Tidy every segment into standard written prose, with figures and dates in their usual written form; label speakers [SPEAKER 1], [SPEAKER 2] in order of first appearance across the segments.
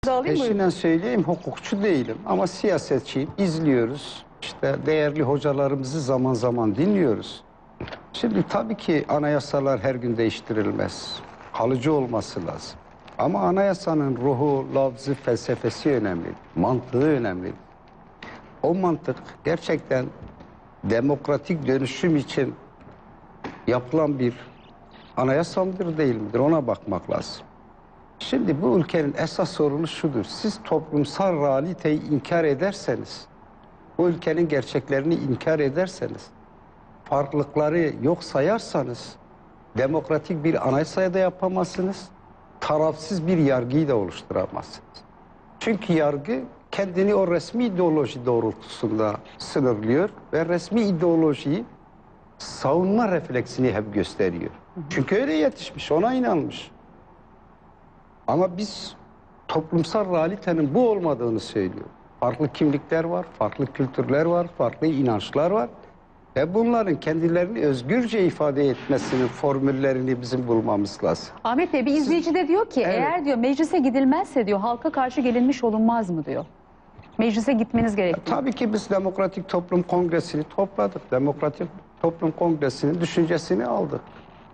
[SPEAKER 1] Peşinden söyleyeyim, hukukçu değilim ama siyasetçiyim, izliyoruz. İşte değerli hocalarımızı zaman zaman dinliyoruz. Şimdi tabii ki anayasalar her gün değiştirilmez. Kalıcı olması lazım. Ama anayasanın ruhu, lafzı, felsefesi önemli. Mantığı önemli. O mantık gerçekten demokratik dönüşüm için yapılan bir anayasa mıdır değil midir ona bakmak lazım. Şimdi bu ülkenin esas sorunu şudur. Siz toplumsal realiteyi inkar ederseniz, bu ülkenin gerçeklerini inkar ederseniz, farklılıkları yok sayarsanız, demokratik bir anayasaya da yapamazsınız, tarafsız bir yargıyı da oluşturamazsınız. Çünkü yargı kendini o resmi ideoloji doğrultusunda sınırlıyor ve resmi ideolojiyi savunma refleksini hep gösteriyor. Çünkü öyle yetişmiş, ona inanmış. Ama biz toplumsal realitenin bu olmadığını söylüyor. Farklı kimlikler var, farklı kültürler var, farklı inançlar var. Ve bunların kendilerini özgürce ifade etmesinin formüllerini bizim bulmamız lazım.
[SPEAKER 2] Ahmet Bey, bir izleyici de diyor ki, evet, eğer diyor meclise gidilmezse diyor halka karşı gelinmiş olunmaz mı diyor. Meclise gitmeniz gerekiyor.
[SPEAKER 1] Tabii ki biz Demokratik Toplum Kongresi'ni topladık. Demokratik Toplum Kongresi'nin düşüncesini aldık.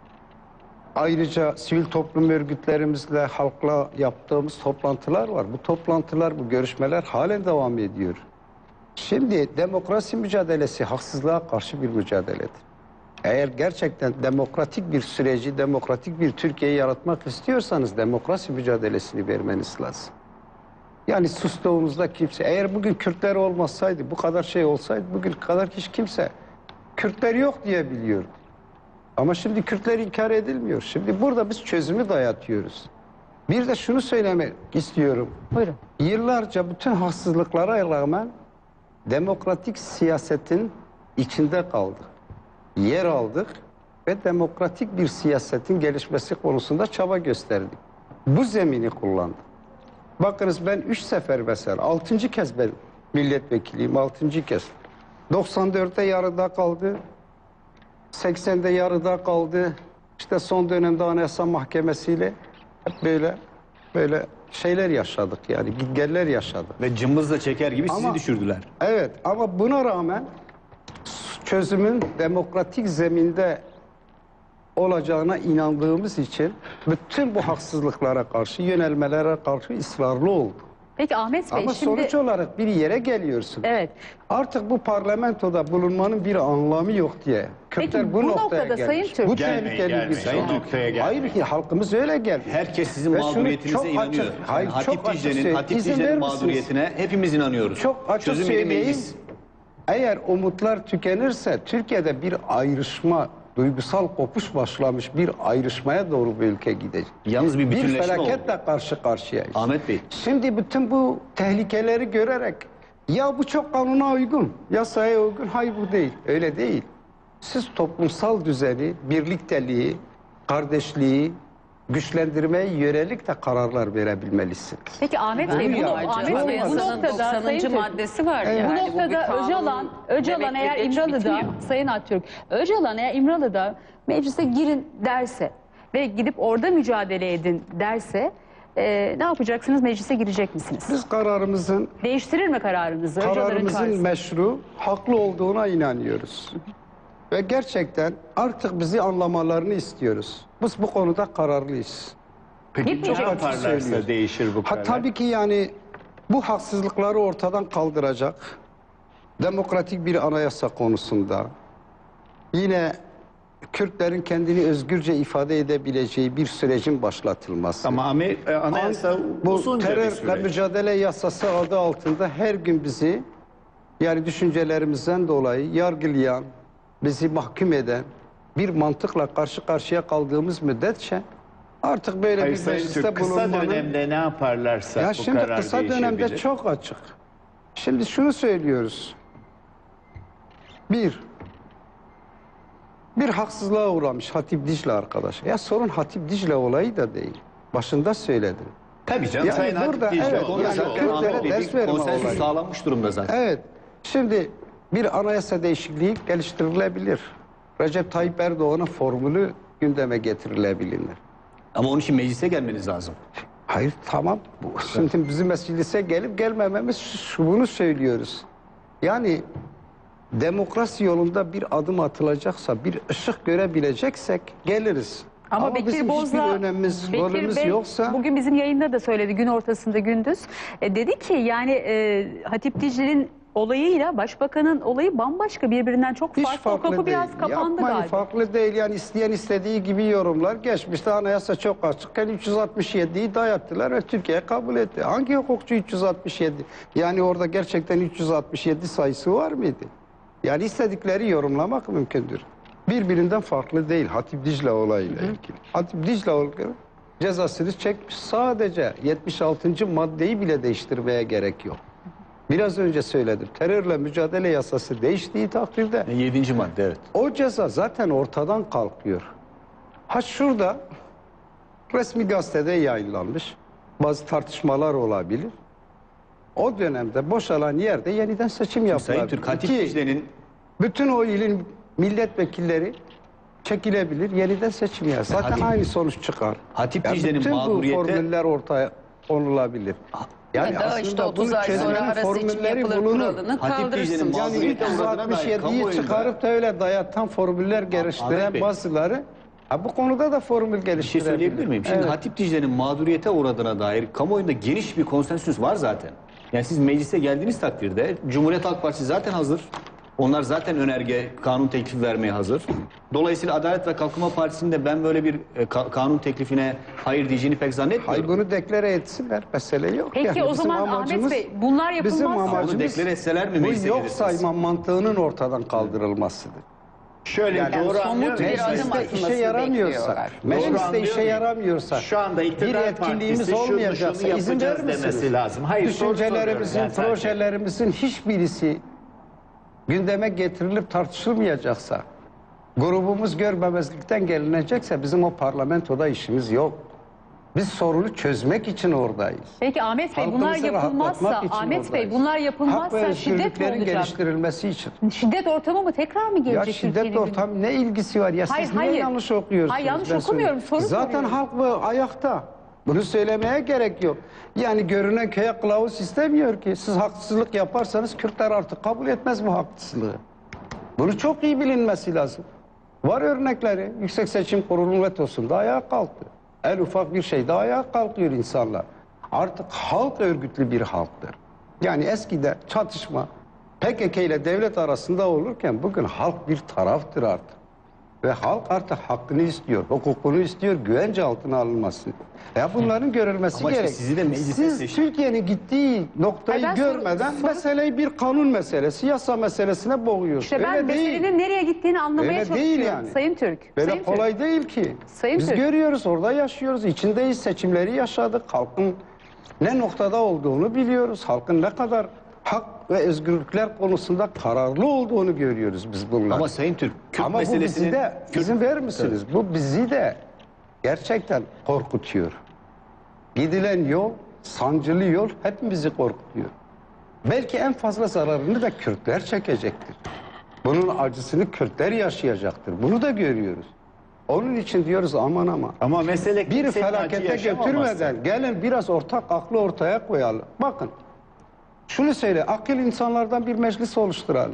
[SPEAKER 1] Ayrıca sivil toplum örgütlerimizle, halkla yaptığımız toplantılar var. Bu toplantılar, bu görüşmeler halen devam ediyor. Şimdi demokrasi mücadelesi haksızlığa karşı bir mücadeledir. Eğer gerçekten demokratik bir süreci, demokratik bir Türkiye'yi yaratmak istiyorsanız demokrasi mücadelesini vermeniz lazım. Yani sustuğunuzda kimse, eğer bugün Kürtler olmasaydı, bu kadar şey olsaydı, bugün kadar hiç kimse Kürtler yok diye biliyordu. Ama şimdi Kürtler inkar edilmiyor. Şimdi burada biz çözümü dayatıyoruz. Bir de şunu söylemek istiyorum.
[SPEAKER 2] Buyurun.
[SPEAKER 1] Yıllarca bütün haksızlıklara rağmen demokratik siyasetin içinde kaldık. Yer aldık ve demokratik bir siyasetin gelişmesi konusunda çaba gösterdik. Bu zemini kullandık. Bakınız ben 3 sefer mesela, 6. kez ben milletvekiliyim, 6. kez. 94'te yarıda kaldı. 80'de yarıda kaldı. İşte son dönemde Anayasa Mahkemesi'yle hep böyle şeyler yaşadık yani, gitgeller yaşadık.
[SPEAKER 3] Ve cımbızla çeker gibi sizi düşürdüler.
[SPEAKER 1] Evet, ama buna rağmen çözümün demokratik zeminde olacağına inandığımız için bütün bu haksızlıklara karşı, yönelmelere karşı ısrarlı olduk.
[SPEAKER 2] Peki Ahmet Bey,
[SPEAKER 1] Ama
[SPEAKER 2] şimdi
[SPEAKER 1] sonuç olarak bir yere geliyorsun.
[SPEAKER 2] evet.
[SPEAKER 1] Artık bu parlamentoda bulunmanın bir anlamı yok diye. Kürtler
[SPEAKER 2] Peki,
[SPEAKER 1] bu
[SPEAKER 2] bu
[SPEAKER 1] noktaya
[SPEAKER 2] noktada Sayın
[SPEAKER 1] gelmiş.
[SPEAKER 2] Türk-
[SPEAKER 1] Bu
[SPEAKER 3] Gelmeyin,
[SPEAKER 1] tehlikeli bir
[SPEAKER 3] Sayın
[SPEAKER 1] şey.
[SPEAKER 3] noktaya gelmeyin.
[SPEAKER 1] Hayır ki halkımız öyle gelmiş.
[SPEAKER 3] Herkes sizin
[SPEAKER 1] Ve şunu
[SPEAKER 3] mağduriyetinize
[SPEAKER 1] çok
[SPEAKER 3] inanıyor.
[SPEAKER 1] açık- hayır,
[SPEAKER 3] Hatip
[SPEAKER 1] çok açık
[SPEAKER 3] Dicle'nin
[SPEAKER 1] söyleyeyim. İzin verir misiniz?
[SPEAKER 3] mağduriyetine hepimiz inanıyoruz.
[SPEAKER 1] Çok açık
[SPEAKER 3] Çözüm yeri
[SPEAKER 1] söyleyeyim.
[SPEAKER 3] meclis.
[SPEAKER 1] Eğer umutlar tükenirse Türkiye'de bir ayrışma, duygusal kopuş başlamış bir ayrışmaya doğru bu ülke gidecek.
[SPEAKER 3] Yalnız bir bütünleşme oldu.
[SPEAKER 1] felaketle karşı karşıyayız.
[SPEAKER 3] Ahmet Bey.
[SPEAKER 1] Şimdi bütün bu tehlikeleri görerek ya bu çok kanuna uygun, yasaya uygun. Hayır, bu değil. Öyle değil. Siz toplumsal düzeni, birlikteliği, kardeşliği güçlendirmeye yönelik de kararlar verebilmelisiniz.
[SPEAKER 2] Peki Ahmet Bey, bu noktada Sayın Türk-
[SPEAKER 4] maddesi var
[SPEAKER 1] Evet.
[SPEAKER 4] yani.
[SPEAKER 2] Bu
[SPEAKER 4] Bu bir
[SPEAKER 2] noktada
[SPEAKER 4] kanun
[SPEAKER 2] Öcalan eğer
[SPEAKER 4] demekle geç
[SPEAKER 2] İmralı'da,
[SPEAKER 4] bitmiyor.
[SPEAKER 2] Sayın Aktürk, Öcalan eğer İmralı'da meclise girin derse ve gidip orada mücadele edin derse ne yapacaksınız? Meclise girecek misiniz?
[SPEAKER 1] Biz kararımızın
[SPEAKER 2] Değiştirir mi kararınızı? Öcalan'ın
[SPEAKER 1] kararımızın
[SPEAKER 2] çağrısı.
[SPEAKER 1] meşru, haklı olduğuna inanıyoruz. Ve gerçekten artık bizi anlamalarını istiyoruz. Biz bu konuda kararlıyız.
[SPEAKER 3] Peki
[SPEAKER 2] Gitmeyecek
[SPEAKER 3] ne
[SPEAKER 2] misiniz?
[SPEAKER 3] yaparlarsa değişir bu karar.
[SPEAKER 1] Tabii ki yani bu haksızlıkları ortadan kaldıracak demokratik bir anayasa konusunda, yine Kürtlerin kendini özgürce ifade edebileceği bir sürecin başlatılması.
[SPEAKER 3] Ama anayasa
[SPEAKER 1] Bu
[SPEAKER 3] uzunca bir
[SPEAKER 1] terörle
[SPEAKER 3] süreç.
[SPEAKER 1] mücadele yasası adı altında her gün bizi, yani düşüncelerimizden dolayı yargılayan, bizi mahkum eden bir mantıkla karşı karşıya kaldığımız müddetçe artık böyle
[SPEAKER 3] Hayır,
[SPEAKER 1] bir
[SPEAKER 3] Sayın
[SPEAKER 1] mecliste
[SPEAKER 3] Türk, kısa
[SPEAKER 1] bulunmanın...
[SPEAKER 3] dönemde ne yaparlarsa
[SPEAKER 1] Ya
[SPEAKER 3] bu
[SPEAKER 1] şimdi
[SPEAKER 3] karar
[SPEAKER 1] kısa dönemde
[SPEAKER 3] değişebilir.
[SPEAKER 1] çok açık. Şimdi şunu söylüyoruz. Bir haksızlığa uğramış Hatip Dicle arkadaş. Ya sorun Hatip Dicle olayı da değil. Başında söyledim.
[SPEAKER 3] Tabii canım.
[SPEAKER 1] Yani
[SPEAKER 3] Sayın
[SPEAKER 1] burada,
[SPEAKER 3] Hatip Dicle
[SPEAKER 1] evet,
[SPEAKER 3] onu
[SPEAKER 1] yani
[SPEAKER 3] zaten
[SPEAKER 1] Kürtlere
[SPEAKER 3] Ahmet Bey,
[SPEAKER 1] ders
[SPEAKER 3] bir
[SPEAKER 1] verme
[SPEAKER 3] konsensüs
[SPEAKER 1] olayı.
[SPEAKER 3] sağlanmış durumda zaten.
[SPEAKER 1] Evet. Şimdi bir anayasa değişikliği geliştirilebilir. Recep Tayyip Erdoğan'ın formülü gündeme getirilebilir.
[SPEAKER 3] Ama onun için meclise gelmeniz lazım.
[SPEAKER 1] Hayır tamam. Şimdi bizim meclise gelip gelmememiz bunu söylüyoruz. Yani demokrasi yolunda bir adım atılacaksa, bir ışık görebileceksek geliriz.
[SPEAKER 2] Ama Bekir
[SPEAKER 1] bizim
[SPEAKER 2] Bozdağ,
[SPEAKER 1] hiçbir önemimiz,
[SPEAKER 2] Bekir
[SPEAKER 1] rolümüz
[SPEAKER 2] Bey
[SPEAKER 1] yoksa
[SPEAKER 2] bugün bizim yayında da söyledi, gün ortasında gündüz. Dedi ki yani Hatip Dicle'nin olayıyla başbakanın olayı bambaşka, birbirinden çok
[SPEAKER 1] hiç
[SPEAKER 2] farklı. O
[SPEAKER 1] farklı
[SPEAKER 2] kapı
[SPEAKER 1] değil.
[SPEAKER 2] biraz kapandı
[SPEAKER 1] Yapmayın,
[SPEAKER 2] galiba.
[SPEAKER 1] farklı değil. Yani isteyen istediği gibi yorumlar. Geçmişte anayasa çok açıkken 367'yi dayattılar ve Türkiye kabul etti. Hangi hukukçu 367? Yani orada gerçekten 367 sayısı var mıydı? Yani istedikleri yorumlamak mümkündür. Birbirinden farklı değil Hatip Dicle olayıyla ilgili. Hatip Dicle olayı cezasını çekmiş. Sadece 76. maddeyi bile değiştirmeye gerek yok. Biraz önce söyledim. Terörle mücadele yasası değiştiği takdirde
[SPEAKER 3] 7. madde, evet.
[SPEAKER 1] o ceza zaten ortadan kalkıyor. Ha şurada resmi gazetede yayınlanmış. Bazı tartışmalar olabilir. O dönemde boşalan yerde yeniden seçim yapılır.
[SPEAKER 3] Sayın Türk, Hatip Dicle'nin
[SPEAKER 1] Bütün o ilin milletvekilleri çekilebilir, yeniden seçim yapar. Zaten
[SPEAKER 3] Hatip-
[SPEAKER 1] aynı sonuç çıkar.
[SPEAKER 3] Hatip
[SPEAKER 1] Yani
[SPEAKER 3] Dicle'nin
[SPEAKER 1] bütün bu
[SPEAKER 3] mağduriyeti-
[SPEAKER 1] formüller ortaya konulabilir. Yani
[SPEAKER 4] Ya da işte 30
[SPEAKER 1] bunun
[SPEAKER 4] ay sonra
[SPEAKER 1] çözümünün
[SPEAKER 4] ara seçim
[SPEAKER 1] formülleri
[SPEAKER 4] yapılır
[SPEAKER 1] bulunur.
[SPEAKER 4] kuralını
[SPEAKER 3] Hatip
[SPEAKER 4] kaldırırsın.
[SPEAKER 3] Dicle'nin
[SPEAKER 1] Yani
[SPEAKER 3] mağduriyete uğradığına dair
[SPEAKER 1] 367'yi
[SPEAKER 3] kamuoyunda-
[SPEAKER 1] çıkarıp da öyle dayatan formüller
[SPEAKER 3] Ahmet
[SPEAKER 1] geliştiren
[SPEAKER 3] Bey.
[SPEAKER 1] bazıları bu konuda da formül
[SPEAKER 3] Bir şey
[SPEAKER 1] geliştirebilir.
[SPEAKER 3] söyleyebilir miyim? Şimdi
[SPEAKER 1] Evet.
[SPEAKER 3] Hatip Dicle'nin mağduriyete uğradığına dair kamuoyunda geniş bir konsensüs var zaten. Yani siz meclise geldiğiniz takdirde Cumhuriyet Halk Partisi zaten hazır. Onlar zaten önerge, kanun teklifi vermeye hazır. Dolayısıyla Adalet ve Kalkınma Partisi'nin de ben böyle bir kanun teklifine hayır diyeceğini pek zannetmiyorum.
[SPEAKER 1] Hayır bunu deklare etsinler. Mesele yok.
[SPEAKER 2] Peki
[SPEAKER 1] Yani
[SPEAKER 2] o
[SPEAKER 1] bizim
[SPEAKER 2] zaman Ahmet
[SPEAKER 1] amacımız-
[SPEAKER 2] Bey bunlar
[SPEAKER 1] bizim
[SPEAKER 2] yapılmazsa
[SPEAKER 3] Bunu
[SPEAKER 1] amacımız
[SPEAKER 3] deklare etseler mi
[SPEAKER 1] bu
[SPEAKER 3] meclise
[SPEAKER 1] yok
[SPEAKER 3] gelirsiniz?
[SPEAKER 1] sayma mantığının ortadan kaldırılmasıdır.
[SPEAKER 3] Şöyle
[SPEAKER 4] Yani
[SPEAKER 3] doğru
[SPEAKER 4] somut
[SPEAKER 3] anlıyorum.
[SPEAKER 4] bir adım
[SPEAKER 1] Mecliste
[SPEAKER 4] atılmasını
[SPEAKER 1] işe yaramıyorsa,
[SPEAKER 4] bekliyorlar.
[SPEAKER 1] mecliste
[SPEAKER 3] anlıyorum.
[SPEAKER 1] işe yaramıyorsa,
[SPEAKER 5] Şu anda
[SPEAKER 1] bir
[SPEAKER 5] iktidar
[SPEAKER 1] etkinliğimiz
[SPEAKER 5] partisi şunu
[SPEAKER 1] olmayacaksa izin
[SPEAKER 5] yapacağız
[SPEAKER 1] verir misiniz?
[SPEAKER 5] demesi lazım. Hayır, soru
[SPEAKER 1] Düşüncelerimizin,
[SPEAKER 5] soruyorum ben sadece.
[SPEAKER 1] projelerimizin hiçbirisi gündeme getirilip tartışılmayacaksa, grubumuz görmemezlikten gelinecekse bizim o parlamentoda işimiz yok. Biz sorunu çözmek için oradayız.
[SPEAKER 2] Peki Ahmet Bey bunlar
[SPEAKER 1] Halkımızı
[SPEAKER 2] yapılmazsa
[SPEAKER 1] rahatlatmak için
[SPEAKER 2] Ahmet Bey
[SPEAKER 1] oradayız.
[SPEAKER 2] bunlar
[SPEAKER 1] Hak ve
[SPEAKER 2] yapılmazsa şiddet mi
[SPEAKER 1] özgürlüklerin
[SPEAKER 2] olacak?
[SPEAKER 1] geliştirilmesi için.
[SPEAKER 2] Şiddet ortamı mı tekrar mı
[SPEAKER 1] Ya
[SPEAKER 2] gelecek
[SPEAKER 1] şiddet
[SPEAKER 2] Türkiye'nin
[SPEAKER 1] ortamı ne ilgisi var? Ya
[SPEAKER 2] Hayır,
[SPEAKER 1] siz niye
[SPEAKER 2] hayır.
[SPEAKER 1] yanlış okuyorsunuz?
[SPEAKER 2] Hayır, yanlış
[SPEAKER 1] Ben
[SPEAKER 2] okumuyorum,
[SPEAKER 1] söyleyeyim.
[SPEAKER 2] soru
[SPEAKER 1] Zaten
[SPEAKER 2] soruyorum.
[SPEAKER 1] halk bu ayakta. Bunu söylemeye gerek yok. Yani görünen köye kılavuz istemiyor ki. Siz haksızlık yaparsanız Kürtler artık kabul etmez bu haksızlığı. Bunu çok iyi bilinmesi lazım. Var örnekleri. Yüksek Seçim Kurulu'nun vetosunda ayağa kalktı. En ufak bir şeyde ayağa kalkıyor insanlar. Artık halk örgütlü bir halktır. Yani eskide çatışma PKK ile devlet arasında olurken bugün halk bir taraftır artık. Ve halk artık hakkını istiyor, hukukunu istiyor, güvence altına alınmasını. Ya bunların görülmesi
[SPEAKER 3] Ama işte
[SPEAKER 1] gerek.
[SPEAKER 3] sizi de meclise
[SPEAKER 1] Siz
[SPEAKER 3] seçti.
[SPEAKER 1] Türkiye'nin gittiği noktayı
[SPEAKER 2] Hayır, ben soru-
[SPEAKER 1] görmeden
[SPEAKER 2] soru-
[SPEAKER 1] meseleyi bir kanun meselesi, yasa meselesine boğuyorsunuz.
[SPEAKER 2] İşte ben
[SPEAKER 1] Öyle değil.
[SPEAKER 2] meselenin nereye gittiğini anlamaya
[SPEAKER 1] Öyle
[SPEAKER 2] çalışıyorum.
[SPEAKER 1] değil yani.
[SPEAKER 2] Sayın Türk.
[SPEAKER 1] Böyle
[SPEAKER 2] Sayın
[SPEAKER 1] kolay
[SPEAKER 2] Türk.
[SPEAKER 1] değil ki.
[SPEAKER 2] Sayın
[SPEAKER 1] Biz
[SPEAKER 2] Türk.
[SPEAKER 1] görüyoruz, orada yaşıyoruz, içindeyiz, seçimleri yaşadık. Halkın ne noktada olduğunu biliyoruz. Halkın ne kadar hak ve özgürlükler konusunda kararlı olduğunu görüyoruz biz bunlar.
[SPEAKER 3] Ama Sayın Türk, Kürt
[SPEAKER 1] Ama bu bizi
[SPEAKER 3] meselesinin...
[SPEAKER 1] de, izin verir misiniz? Bu bizi de gerçekten korkutuyor. Gidilen yol, sancılı yol hepimizi korkutuyor. Belki en fazla zararını da Kürtler çekecektir. Bunun acısını Kürtler yaşayacaktır. Bunu da görüyoruz. Onun için diyoruz aman aman.
[SPEAKER 5] Ama mesele
[SPEAKER 1] Bir
[SPEAKER 5] kimsenin acı
[SPEAKER 1] felakete
[SPEAKER 5] yaşamaması.
[SPEAKER 1] götürmeden gelin biraz ortak aklı ortaya koyalım. Bakın şunu söyle, akıl insanlardan bir meclis oluşturalım.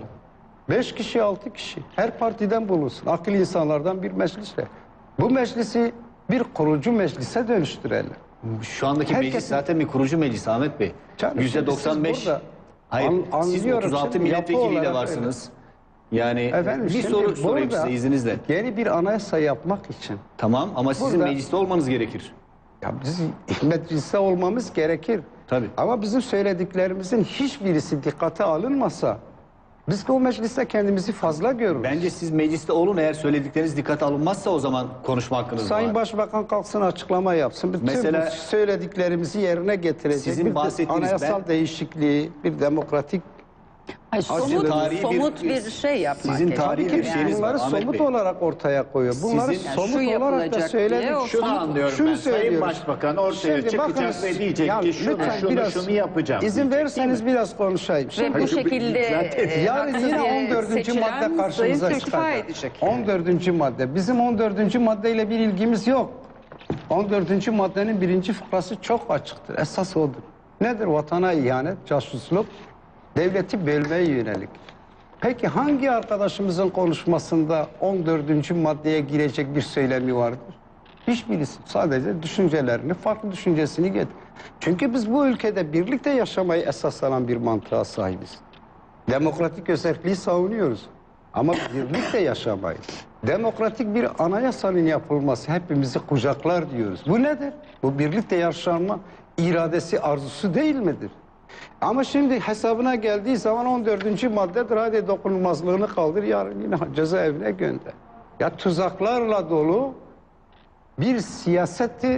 [SPEAKER 1] 5 kişi 6 kişi her partiden bulunsun. Akıl insanlardan bir meclisle. Bu meclisi bir kurucu meclise dönüştürelim.
[SPEAKER 3] Şu andaki
[SPEAKER 1] Herkesin-
[SPEAKER 3] meclis zaten bir kurucu meclis Ahmet Bey.
[SPEAKER 1] Canım, şimdi
[SPEAKER 3] %95.
[SPEAKER 1] siz burada
[SPEAKER 3] Hayır, siz
[SPEAKER 1] anlıyorum
[SPEAKER 3] 36
[SPEAKER 1] şimdi, yapı
[SPEAKER 3] milletvekiliyle
[SPEAKER 1] olarak
[SPEAKER 3] varsınız. Yani
[SPEAKER 1] Efendim,
[SPEAKER 3] bir
[SPEAKER 1] şimdi
[SPEAKER 3] soru sorayım
[SPEAKER 1] burada
[SPEAKER 3] size izninizle.
[SPEAKER 1] Yeni bir anayasa yapmak için
[SPEAKER 3] Tamam ama sizin
[SPEAKER 1] Burada-
[SPEAKER 3] mecliste olmanız gerekir.
[SPEAKER 1] ya biz mecliste olmamız gerekir.
[SPEAKER 3] Tabii.
[SPEAKER 1] Ama bizim söylediklerimizin hiçbirisi dikkate alınmasa biz o mecliste kendimizi fazla görürüz.
[SPEAKER 3] Bence siz mecliste olun, eğer söyledikleriniz dikkate alınmazsa o zaman konuşma hakkınız
[SPEAKER 1] Sayın
[SPEAKER 3] var.
[SPEAKER 1] Başbakan kalksın açıklama yapsın. Bütün
[SPEAKER 3] Mesela-
[SPEAKER 1] bu söylediklerimizi yerine getirecek
[SPEAKER 3] Sizin
[SPEAKER 1] bir
[SPEAKER 3] bahsettiğiniz
[SPEAKER 1] anayasal değişikliği, bir demokratik.
[SPEAKER 4] Hayır,
[SPEAKER 3] Sizin tarihi
[SPEAKER 4] somut bir şey yapmak
[SPEAKER 3] sizin
[SPEAKER 4] gerekiyor.
[SPEAKER 3] tarihi
[SPEAKER 1] Tabii
[SPEAKER 3] bir
[SPEAKER 1] ki
[SPEAKER 3] şeyiniz var
[SPEAKER 1] bunları
[SPEAKER 3] Ahmet
[SPEAKER 1] somut
[SPEAKER 3] Bey.
[SPEAKER 1] olarak ortaya koyuyor. Bunları
[SPEAKER 3] Sizin-
[SPEAKER 1] somut
[SPEAKER 4] şu
[SPEAKER 1] olarak da
[SPEAKER 4] yapılacak diye
[SPEAKER 1] söyledik.
[SPEAKER 4] o
[SPEAKER 5] Şunu anlıyorum
[SPEAKER 1] Şunu
[SPEAKER 5] ben. Sayın
[SPEAKER 1] söylüyoruz.
[SPEAKER 5] Başbakan ortaya
[SPEAKER 1] Şimdi
[SPEAKER 5] çıkacak
[SPEAKER 1] bakınız,
[SPEAKER 5] ve diyecek
[SPEAKER 1] ya
[SPEAKER 5] ki şunu
[SPEAKER 1] lütfen
[SPEAKER 5] şunu yapacağım.
[SPEAKER 1] İzin
[SPEAKER 5] diyecek,
[SPEAKER 1] verirseniz
[SPEAKER 5] değil mi?
[SPEAKER 1] biraz konuşayım.
[SPEAKER 4] Ve
[SPEAKER 1] Şimdi
[SPEAKER 4] bu şekilde
[SPEAKER 1] yarın
[SPEAKER 4] haksız
[SPEAKER 1] yine
[SPEAKER 4] yere
[SPEAKER 1] 14.
[SPEAKER 4] seçilen
[SPEAKER 1] madde karşımıza
[SPEAKER 4] Sayın Türk istifa
[SPEAKER 1] çıkacak.
[SPEAKER 4] edecek.
[SPEAKER 1] 14. madde. Bizim 14. maddeyle bir ilgimiz yok. 14. maddenin 1. fıkrası çok açıktır. Esas odur. Nedir? Vatana ihanet, casusluk, devleti bölmeye yönelik. Peki hangi arkadaşımızın konuşmasında 14. maddeye girecek bir söylemi vardır? Hiçbirisi. Sadece düşüncelerini, farklı düşüncesini getir. Çünkü biz bu ülkede birlikte yaşamayı esas alan bir mantığa sahibiz. Demokratik özelliği savunuyoruz. Ama birlikte yaşamayı. Demokratik bir anayasanın yapılması hepimizi kucaklar diyoruz. Bu nedir? Bu birlikte yaşanma iradesi, arzusu değil midir? Ama şimdi hesabına geldiği zaman 14. maddedir. Hadi dokunulmazlığını kaldır, yarın yine cezaevine gönder. Ya tuzaklarla dolu bir siyaseti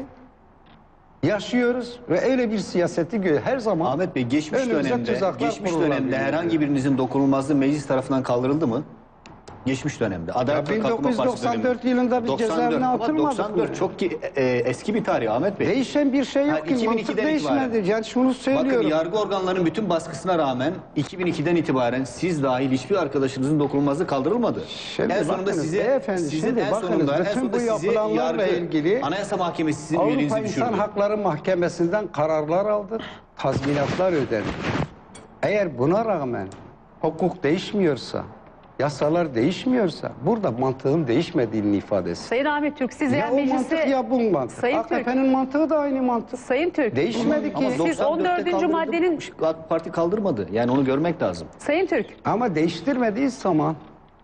[SPEAKER 1] yaşıyoruz ve öyle bir siyaseti her zaman
[SPEAKER 3] Ahmet Bey geçmiş
[SPEAKER 1] önümüze
[SPEAKER 3] dönemde
[SPEAKER 1] tuzaklar kurulabiliyor.
[SPEAKER 3] herhangi birinizin dokunulmazlığı meclis tarafından kaldırıldı mı? Geçmiş dönemde. Adalet ve Kalkınma Partisi
[SPEAKER 1] 1994
[SPEAKER 3] dönemi.
[SPEAKER 1] yılında bir
[SPEAKER 3] 94
[SPEAKER 1] cezaevine
[SPEAKER 3] ama
[SPEAKER 1] atılmadık
[SPEAKER 3] 94
[SPEAKER 1] mı?
[SPEAKER 3] çok eski bir tarih Ahmet Bey.
[SPEAKER 1] Değişen bir şey yok
[SPEAKER 3] Ha,
[SPEAKER 1] ki. Mantık
[SPEAKER 3] 2002'den
[SPEAKER 1] değişmedi. Yani şunu söylüyorum.
[SPEAKER 3] Bakın yargı organlarının bütün baskısına rağmen 2002'den itibaren siz dahil hiçbir arkadaşınızın dokunulmazlığı kaldırılmadı.
[SPEAKER 1] Şimdi
[SPEAKER 3] en sonunda
[SPEAKER 1] bakınız beyefendi,
[SPEAKER 3] sizin
[SPEAKER 1] şimdi
[SPEAKER 3] en
[SPEAKER 1] bakınız,
[SPEAKER 3] sonunda, en
[SPEAKER 1] bütün
[SPEAKER 3] sonunda
[SPEAKER 1] bu
[SPEAKER 3] sizi
[SPEAKER 1] yapılanlarla
[SPEAKER 3] yargı,
[SPEAKER 1] ilgili
[SPEAKER 3] Anayasa Mahkemesi sizin
[SPEAKER 1] Avrupa
[SPEAKER 3] üyeliğinizi
[SPEAKER 1] İnsan
[SPEAKER 3] düşürdü.
[SPEAKER 1] Hakları Mahkemesi'nden kararlar aldık. Tazminatlar ödedik. Eğer buna rağmen hukuk değişmiyorsa, yasalar değişmiyorsa burada mantığın değişmediğinin ifadesi.
[SPEAKER 2] Sayın Ahmet Türk, siz
[SPEAKER 1] Ya
[SPEAKER 2] yani
[SPEAKER 1] o mantık
[SPEAKER 2] meclise...
[SPEAKER 1] ya bu mantık.
[SPEAKER 2] Sayın Türk.
[SPEAKER 1] AKP'nin mantığı da aynı mantık.
[SPEAKER 2] Sayın Türk,
[SPEAKER 1] Değişmedi ki.
[SPEAKER 2] siz
[SPEAKER 3] 94'te
[SPEAKER 2] 14.
[SPEAKER 3] kaldırıldı.
[SPEAKER 2] maddenin...
[SPEAKER 3] AK Parti kaldırmadı. Yani onu görmek lazım.
[SPEAKER 2] Sayın Türk,
[SPEAKER 1] Ama değiştirmediği zaman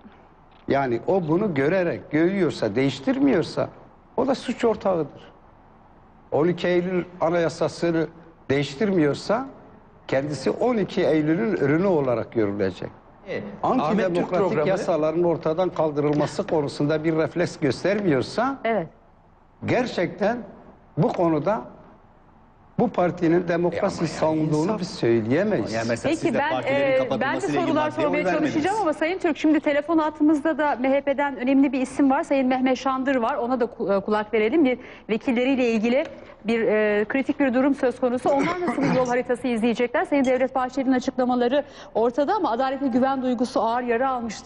[SPEAKER 1] yani o bunu görerek görüyorsa, değiştirmiyorsa o da suç ortağıdır. 12 Eylül Anayasası'nı değiştirmiyorsa kendisi 12 Eylül'ün ürünü olarak görülecek.
[SPEAKER 5] Ahmet Türk
[SPEAKER 1] Antidemokratik
[SPEAKER 5] programı-
[SPEAKER 1] yasaların ortadan kaldırılması konusunda bir refleks göstermiyorsa
[SPEAKER 2] evet.
[SPEAKER 1] gerçekten bu konuda bu partinin demokrasi savunduğunu biz söyleyemeyiz.
[SPEAKER 3] Yani mesela
[SPEAKER 2] Peki
[SPEAKER 3] siz de
[SPEAKER 2] ben
[SPEAKER 3] partilerin
[SPEAKER 2] de
[SPEAKER 3] kapatılmasıyla ilgili
[SPEAKER 2] sorular
[SPEAKER 3] maddeye oy
[SPEAKER 2] sormaya
[SPEAKER 3] vermediniz.
[SPEAKER 2] çalışacağım ama Sayın Türk, şimdi telefon hattımızda da MHP'den önemli bir isim var. Sayın Mehmet Şandır var. Ona da kulak verelim. Bir vekilleriyle ilgili bir kritik bir durum söz konusu. Onlar nasıl bir yol haritası izleyecekler? Sayın Devlet Bahçeli'nin açıklamaları ortada ama adalete güven duygusu ağır yara almıştı.